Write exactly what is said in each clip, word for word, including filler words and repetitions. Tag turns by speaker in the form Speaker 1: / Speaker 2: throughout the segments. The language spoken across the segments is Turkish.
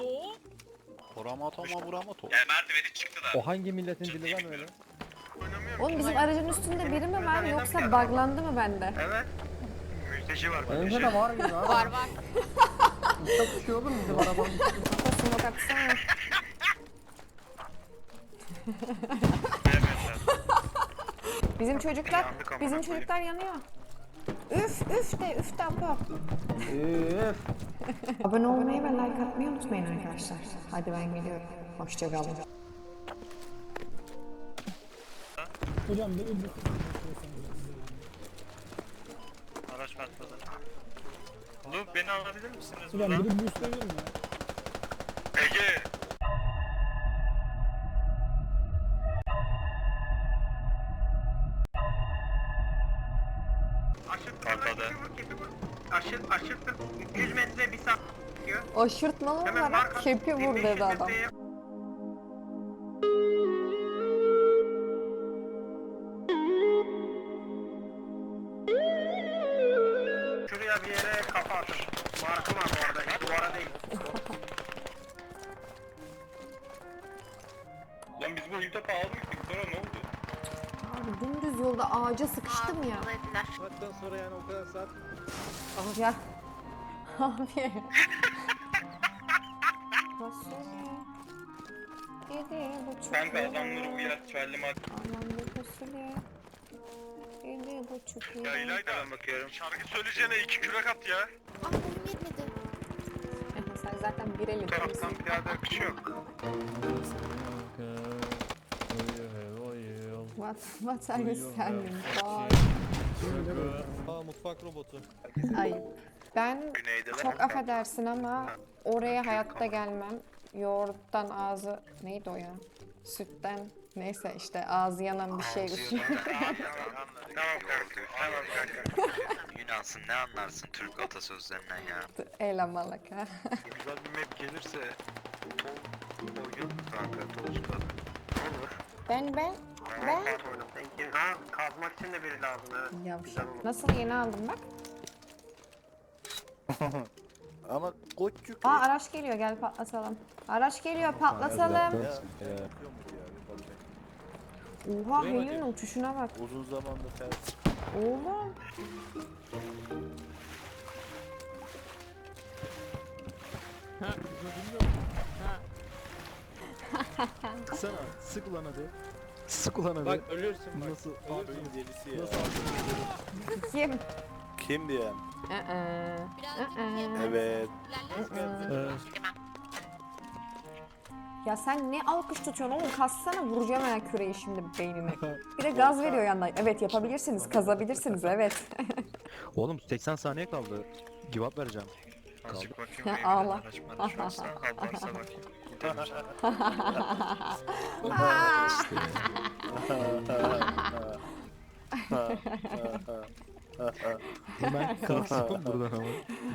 Speaker 1: o?
Speaker 2: Vuramato ama vuramato.
Speaker 3: Yani merdiveni çıktılar.
Speaker 4: O hangi milletin dili lan öyle?
Speaker 5: Oğlum bizim aracın üstünde biri mi var yoksa buglandı mı bende?
Speaker 3: Evet. Mülteci var.
Speaker 4: Önce de var gibi abi.
Speaker 1: Var var.
Speaker 4: Uçak uçuyor oğlum bizim arabanın üstünde.
Speaker 5: Smoke atsana. Bizim çocuklar, bizim çocuklar yanıyor. Üf üf de üf de apa.
Speaker 4: Üf.
Speaker 5: Abone olmayı ve like atmayı unutmayın arkadaşlar. Hadi ben geliyorum. Hoşçakalın.
Speaker 6: Hocam bir bir
Speaker 3: Araç patladı. Oğlum beni alabilir misiniz
Speaker 6: Hocam
Speaker 3: buradan?
Speaker 6: biri boostlayabilir mi ya?
Speaker 3: Ege! Patladı.
Speaker 7: Aşır, aşırttır. yüz metre bir saat diyor.
Speaker 5: Aşırtmalı olarak kepi vur dedi adam.
Speaker 7: Şuraya bir yere kafa atın. Markım var orada. Duvara değil.
Speaker 3: Lan biz bu ilk almıştık sonra ne oldu?
Speaker 5: Abi dümdüz yolda ağaca sıkıştım ya.
Speaker 2: Saatten sonra yani o kadar saat.
Speaker 5: Ya. Abi. Fasulye. Yedi buçuk.
Speaker 3: Kanka adamları uyar çaylı mat.
Speaker 5: Anlamlı fasulye. Yedi buçuk.
Speaker 3: Ya İlayda bakıyorum. Şarkı söyleyeceğine iki kürek at ya.
Speaker 1: Ah benim yetmedi.
Speaker 5: Sen zaten bir elin.
Speaker 3: Bu taraftan piyade akışı yok.
Speaker 5: What, what are you selling for?
Speaker 2: Aa mutfak robotu.
Speaker 5: Ayıp. Ben
Speaker 3: Güneydeler.
Speaker 5: çok affedersin ama oraya hayatta gelmem. Yoğurttan ağzı neydi o ya? Sütten neyse işte ağzı yanan bir şey üstüne.
Speaker 3: Tamam kanka. Tamam kanka.
Speaker 8: Yunansın ne anlarsın Türk atasözlerinden ya.
Speaker 5: Elemalak ha.
Speaker 3: Güzel bir map gelirse Tol oyun kanka Tol'da. Olur.
Speaker 5: Ben ben ben.
Speaker 7: Ha, kazmak için de biri lazım evet.
Speaker 5: Yavşak. Nasıl yeni aldım bak.
Speaker 2: Ama koççuk.
Speaker 5: Aa araç geliyor gel patlatalım. Araç geliyor patlatalım. Oha Heli'nin uçuşuna bak.
Speaker 2: Uzun zamandır ters.
Speaker 5: Oğlum.
Speaker 2: Sıksana. Sık ulan hadi. Sık ulan hadi.
Speaker 4: Bak ölürsün bak.
Speaker 2: Nasıl? Oyun delisi ya.
Speaker 4: Nasıl
Speaker 5: Kim?
Speaker 2: Kim diyen?
Speaker 5: Aa.
Speaker 1: Birazcık
Speaker 5: Aa.
Speaker 1: yemez.
Speaker 2: Evet.
Speaker 1: İlerlesin.
Speaker 5: Ya sen ne alkış tutuyorsun oğlum? Kassana vuracağım ha küreği şimdi beynine. Bir de gaz veriyor yandan. Evet yapabilirsiniz, kazabilirsiniz evet.
Speaker 4: Oğlum seksen saniye kaldı. Give up vereceğim.
Speaker 3: Azıcık bakayım.
Speaker 5: Ya,
Speaker 3: evine
Speaker 5: ağla.
Speaker 3: araç maraç varsa, kal varsa bakayım. Gidelim.
Speaker 4: Hemen kalksın buradan ama.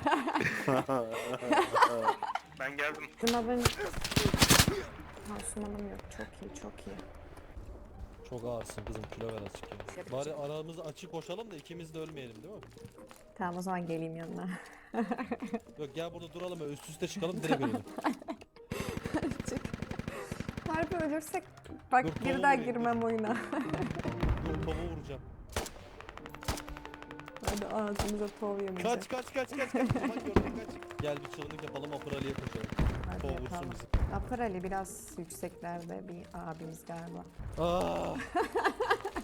Speaker 3: Ben geldim.
Speaker 5: Sınavın... Ha sınavım yok. Çok iyi, çok iyi.
Speaker 9: Çok ağırsın kızım, kilo ver azıcık ya. Bari aramızı açık koşalım da ikimiz de ölmeyelim değil mi?
Speaker 5: Tamam o zaman geleyim yanına.
Speaker 9: Yok gel burada duralım ve üst üste çıkalım direkt ölelim.
Speaker 5: Çık. Harbi ölürsek bak
Speaker 9: Dur,
Speaker 5: bir
Speaker 9: tavuğu
Speaker 5: daha
Speaker 9: vurayım,
Speaker 5: girmem oyuna.
Speaker 9: Dur tavuğu vuracağım.
Speaker 5: Hadi ağzımıza tov yemeyecek.
Speaker 9: Kaç kaç kaç kaç kaç. Aman gördüm kaç. Gel bir çılgınlık yapalım Apır Ali'ye koşalım.
Speaker 5: Hadi
Speaker 9: Tov vursun
Speaker 5: yapalım.
Speaker 9: bizi.
Speaker 5: Apır Ali biraz yükseklerde bir abimiz galiba.
Speaker 9: Aa.